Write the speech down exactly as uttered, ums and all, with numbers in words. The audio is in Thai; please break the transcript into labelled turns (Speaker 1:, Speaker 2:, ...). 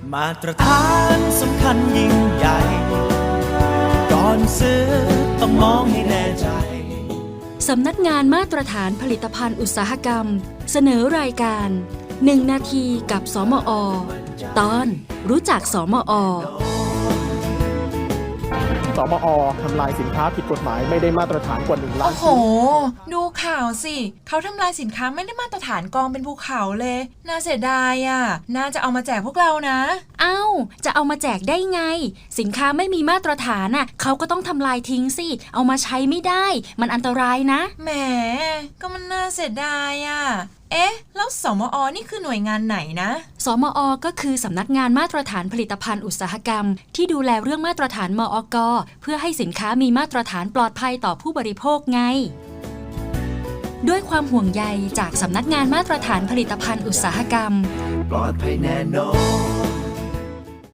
Speaker 1: มาตรฐานสำคัญยิ่งใหญ่ก่อนซื้อต้องมองให้แน่ใจ
Speaker 2: สำนักงานมาตรฐานผลิตภัณฑ์อุตสาหกรรมเสนอรายการหนึ่งนาทีกับสมอ.ตอนรู้จักสมอ.
Speaker 3: สมอ.ทำลายสินค้าผิดกฎหมายไม่ได้มาตรฐานกว่าหนึ่งล้าน
Speaker 4: โอ้โหดูข่าวสิเขาทำลายสินค้าไม่ได้มาตรฐานกองเป็นภูเขาเลยน่าเสียดายอ่ะน่าจะเอามาแจกพวกเรานะ
Speaker 2: เอ้าจะเอามาแจกได้ไงสินค้าไม่มีมาตรฐานน่ะเขาก็ต้องทำลายทิ้งสิเอามาใช้ไม่ได้มันอันตรายนะ
Speaker 4: แหมก็มันน่าเสียดายอ่ะเอ๊ะแล้วสมอ.นี่คือหน่วยงานไหนนะ
Speaker 2: สมอ.ก็คือสำนักงานมาตรฐานผลิตภัณฑ์อุตสาหกรรมที่ดูแลเรื่องมาตรฐานมอก.เพื่อให้สินค้ามีมาตรฐานปลอดภัยต่อผู้บริโภคไงด้วยความห่วงใยจากสำนักงานมาตรฐานผลิตภัณฑ์อุตสาหกรรม
Speaker 1: ปลอดภัยแน่นอน